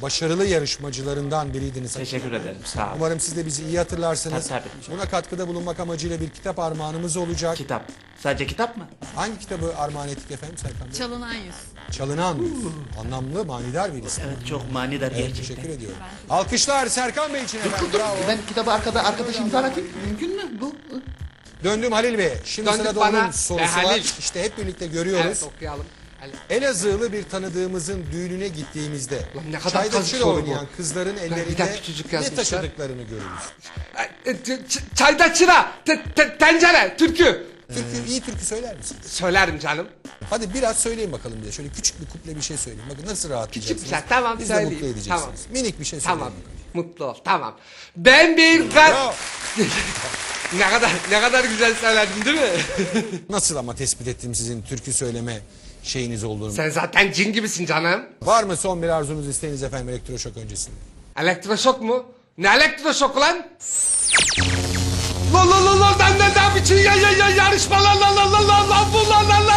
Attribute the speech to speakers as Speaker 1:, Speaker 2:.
Speaker 1: başarılı yarışmacılarından biriydiniz.
Speaker 2: Teşekkür ederim, sağ olun.
Speaker 1: Umarım siz de bizi iyi hatırlarsınız.
Speaker 2: Tabii.
Speaker 1: Buna katkıda bulunmak amacıyla bir kitap armağanımız olacak.
Speaker 2: Kitap. Sadece kitap mı?
Speaker 1: Hangi kitabı armağan ettik efendim Serkan Bey?
Speaker 3: Çalınan yüz.
Speaker 1: Çalınan Yüz. Anlamlı, manidar bir isim.
Speaker 2: Evet, çok manidar
Speaker 1: Evet,
Speaker 2: gerçekten.
Speaker 1: teşekkür ediyorum. Alkışlar Serkan Bey için efendim. Bravo.
Speaker 4: Ben kitabı arkadaş imzalatayım. Mümkün mü bu?
Speaker 1: Döndüm Halil Bey. Şimdi
Speaker 4: Döndük
Speaker 1: sırada
Speaker 4: bana.
Speaker 1: onun sorusu var.
Speaker 4: Halil.
Speaker 1: İşte hep birlikte görüyoruz.
Speaker 4: Evet, okuyalım.
Speaker 1: Elazığlı bir tanıdığımızın düğününe gittiğimizde
Speaker 4: Lan ne kadar
Speaker 1: çayda
Speaker 4: kazık
Speaker 1: çil
Speaker 4: soru bu.
Speaker 1: oynayan kızların
Speaker 4: bir
Speaker 1: ellerinde
Speaker 4: dakika, küçücük
Speaker 1: ne
Speaker 4: yazmışlar.
Speaker 1: taşıdıklarını görürüz.
Speaker 4: Çayda çıra, tencere, türkü.
Speaker 1: İyi türkü söyler misin?
Speaker 4: Söylerim canım.
Speaker 1: Hadi biraz söyleyin bakalım bize. Şöyle küçük bir kuple bir şey söyleyin. Bakın nasıl rahatlayacaksınız.
Speaker 4: Küçük bir şey, tamam,
Speaker 1: Biz de
Speaker 4: söyleyeyim.
Speaker 1: mutlu edeceksiniz.
Speaker 4: Tamam.
Speaker 1: Minik bir şey söyleyin.
Speaker 4: Tamam,
Speaker 1: bakalım.
Speaker 4: mutlu ol, tamam. Ben bir
Speaker 1: Bravo.
Speaker 4: ne kadar güzel söyledim değil mi?
Speaker 1: Nasıl ama tespit ettim sizin türkü söyleme şeyiniz olduğunu.
Speaker 4: Sen zaten cin gibisin canım.
Speaker 1: Var mı son bir arzunuz, isteğiniz efendim elektroşok öncesinde?
Speaker 4: Elektroşok mu? Ne elektroşok lan? La la la la, ne biçim yarışma la la la la la la bu la la la